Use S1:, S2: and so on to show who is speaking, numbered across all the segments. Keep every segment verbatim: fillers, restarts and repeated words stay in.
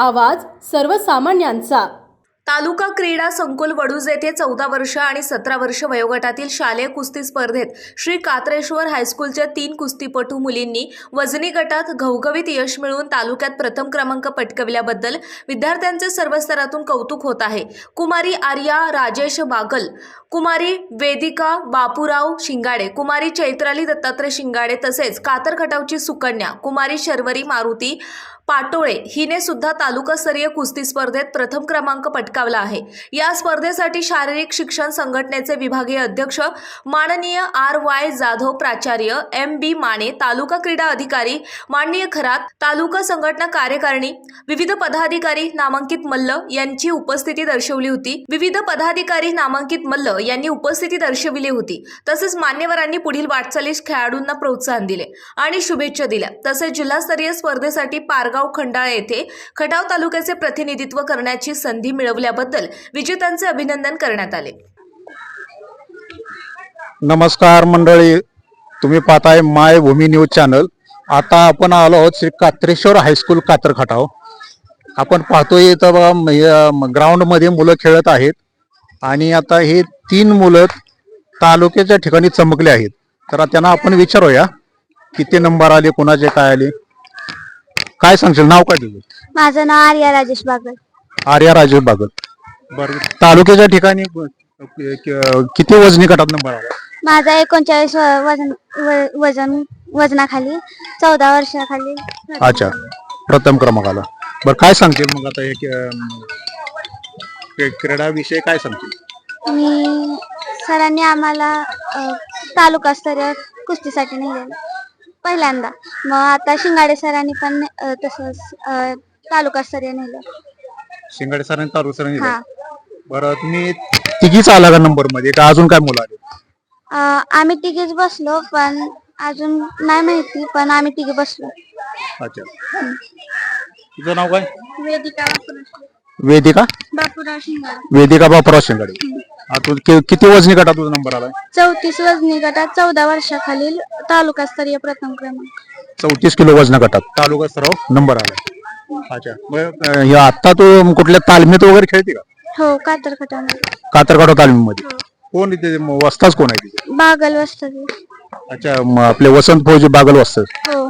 S1: आवाज सर्वसामान्यांचा।
S2: तालुका क्रीडा संकुल वडूज येथे चौदा वर्ष आणि सतरा वर्ष वयोगटातील शालेय कुस्ती स्पर्धेत श्री कात्रेश्वर हायस्कूलच्या तीन कुस्तीपटू मुलींनी वजनी गटात घवघवीत यश मिळवून तालुक्यात प्रथम क्रमांक पटकाविल्याबद्दल विद्यार्थ्यांचे सर्व स्तरातून कौतुक होत आहे। कुमारी आर्या राजेश बागल, कुमारी वेदिका बापूराव शिंगाडे, कुमारी चैत्राली दत्तात्रय शिंगाडे तसेच कातर खटावची सुकन्या कुमारी शर्वरी मारुती पाटोळे हिने सुद्धा तालुकास्तरीय कुस्ती स्पर्धेत प्रथम क्रमांक पटकावला आहे। या स्पर्धेसाठी शारीरिक शिक्षण संघटनेचे विभागीय अध्यक्ष माननीय आर वाय जाधव, प्राचार्य एम बी माने, तालुका क्रीडा अधिकारी माननीय खरात, तालुका संघटना कार्यकारिणी, विविध पदाधिकारी नामांकित मल्ल यांची उपस्थिती दर्शवली होती। विविध पदाधिकारी नामांकित मल्ल यांनी उपस्थिती दर्शविली होती। तसेच मान्यवरांनी पुढील वाटचालीस खेळाडूंना प्रोत्साहन दिले आणि शुभेच्छा दिल्या। तसेच जिल्हास्तरीय स्पर्धेसाठी पारगाव खंडाळा येथे खटाव तालुक्याचे प्रतिनिधित्व करण्याची संधी मिळवल्याबद्दल विजेत्यांचे अभिनंदन करण्यात आले।
S3: नमस्कार मंडळी, तुम्ही पाहताय माय भूमी न्यूज चॅनल। आता आपण आलो आहोत श्री कात्रेश्वर हायस्कूल कातर खटाव। आपण पाहतोय इथं ग्राउंड मध्ये मुलं खेळत आहेत आणि आता हे तीन मुलं तालुक्याच्या ठिकाणी चमकले आहेत। तर त्यांना आपण विचारूया किती नंबर आले, कोणाचे काय आले, काय सांगशील? नाव काय तुझं?
S4: माझं नाव आर्या राजेश बागल।
S3: आर्या राजेश बागल, बरं। तालुक्याच्या ठिकाणी किती वजनी गटात नंबर आला?
S4: माझा एकोणचाळीस वजन वजन वजनाखाली चौदा वर्षाखाली।
S3: अच्छा, प्रथम क्रमांक आला। बरं, काय सांगशील मग आता हे क्रीडा विषय काय सांगशील?
S4: मी सरांनी आम्हाला तालुकास्तरीय कुस्तीसाठी नेलेलं पहिल्यांदा, मग आता शिंगाडे सरांनी पण तसंच तालुकास्तरीय नेलं।
S3: शिंगाडे सरांनी तालुका
S4: हा।
S3: बरं, तुम्ही तिघीच आला का नंबर मध्ये का अजून काय मुलं आले?
S4: आम्ही तिघीच बसलो, पण अजून नाही माहिती, पण आम्ही तिघी बसलो।
S3: अच्छा, तुझं नाव काय?
S4: वेदिका
S3: वेदिका
S4: बापूराव शिंगाडे।
S3: वेदिका बापूराव शिंगाडे। तू किती वजनी गटात तुझा नंबर आला?
S4: चौतीस वजनी गटात चौदा वर्षाखालील तालुकास्तरीय प्रथम क्रमांक।
S3: चौतीस किलो वजन गटात तालुका स्तरावर नंबर आला। अच्छा, आता तू कुठल्या तालमीत वगैरे खेळते का?
S4: हो, कातर खटाव
S3: कातरखटाव तालमीमध्ये। कोण इथे वस्ताच कोण आहे तिथे?
S4: बागल वस्ताद।
S3: अच्छा, आपले वसंत फौजी बागल वस्ताद।
S4: हो।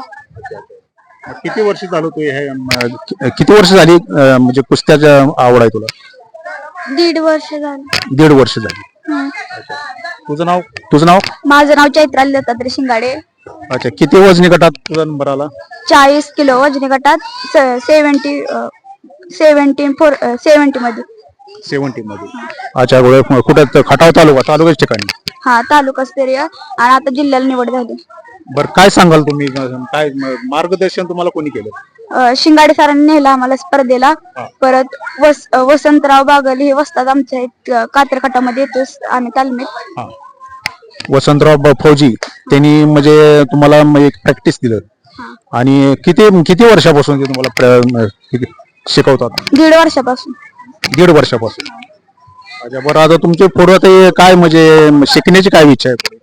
S3: किती वर्ष झालं तू हे किती वर्ष झाली म्हणजे कुस्त्याच्या आवड आहे तुला?
S4: दीड वर्ष झालं।
S3: दीड वर्ष झाली। तुझं नाव? तुझं नाव?
S4: माझं नाव चैत्राली दत्तात्रय शिंगाडे।
S3: अच्छा, किती वजनी गटात तुझा नंबर आला?
S4: चाळीस किलो वजनी गटात सेव्हन्टी सेव्हन्टी फोर सेव्हन्टी मध्ये
S3: सेव्हन्टी मध्ये। अच्छा, कुठे? खटाव तालुका तालुक्याच्या ठिकाणी?
S4: हा, तालुकास्तरीय आणि आता जिल्ह्याला निवड झाली।
S3: बरं, काय सांगाल तुम्ही? काय मार्गदर्शन तुम्हाला कोणी केलं?
S4: शिंगाडे सरांनी नेलं आम्हाला स्पर्धेला। परत वस वसंतराव बागल हे वस्ताद आमच्या कातर खटामध्ये येतोच आम्ही तालमीत।
S3: वसंतराव फौजी त्यांनी म्हणजे तुम्हाला एक प्रॅक्टिस दिलं आणि किती किती वर्षापासून ते तुम्हाला शिकवतात?
S4: दीड वर्षापासून।
S3: दीड वर्षापासून। अच्छा, बरं, आता तुमचे पुढे ते काय म्हणजे शिकण्याची काय इच्छा आहे?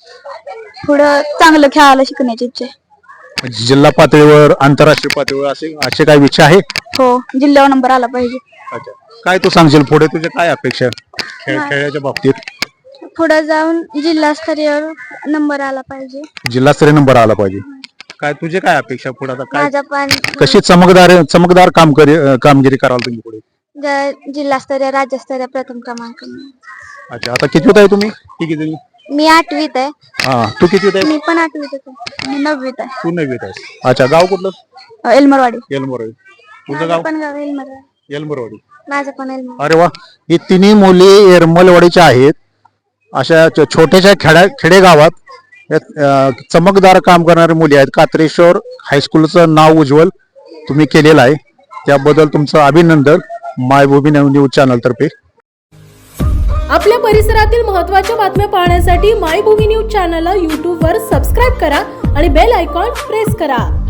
S4: पुढं चांगलं खेळायला शिकण्याची इच्छा आहे।
S3: जिल्हा पातळीवर, आंतरराष्ट्रीय पातळीवर असे असे काय इच्छा आहे?
S4: हो, जिल्ह्यावर नंबर आला पाहिजे।
S3: अच्छा, काय तू सांगशील पुढे तुझ्या काय अपेक्षा खेळ खेळाच्या बाबतीत?
S4: पुढे जाऊन जिल्हास्तरीय नंबर आला पाहिजे।
S3: जिल्हास्तरीय नंबर आला पाहिजे। काय तुझे काय अपेक्षा पुढे? आता काय
S4: माझा पण
S3: कशी चमकदार चमकदार काम कामगिरी कराल तुम्ही पुढे?
S4: जिल्हास्तरीय राज्यस्तरीय प्रथम क्रमांक।
S3: अच्छा, आता कितवीत आहे तुम्ही? किती जणी?
S4: मी आठवीत आहे।
S3: हा, तू कितवीत आहे?
S4: मी पण आठवीत आहे। मी नववीत आहे।
S3: तू नववीत आहेस। अच्छा, गाव कुठलं?
S4: एलमरवाडी।
S3: एलमरवाडी। तुझं गाव?
S4: पण गाव एलमरवाडी।
S3: एलमरवाडी।
S4: माझं पण एलमरवाडी।
S3: अरे वा, ही तिन्ही मुली एरमलवाडीच्या आहेत। अशा छोट्याशा खेड्या खेडेगावात चमकदार काम करणाऱ्या मुली आहेत। कात्रेश्वर हायस्कूलचं नाव उज्ज्वल तुम्ही केलेलं आहे, त्याबद्दल तुमचं अभिनंदन माय भूमी न्यूज चॅनल तर्फे।
S1: आपल्या परिसरातील महत्त्वाच्या बातम्या पाहण्यासाठी माय भूमी न्यूज चॅनलला यूट्यूब वर सबस्क्राईब करा आणि बेल आयकॉन प्रेस करा।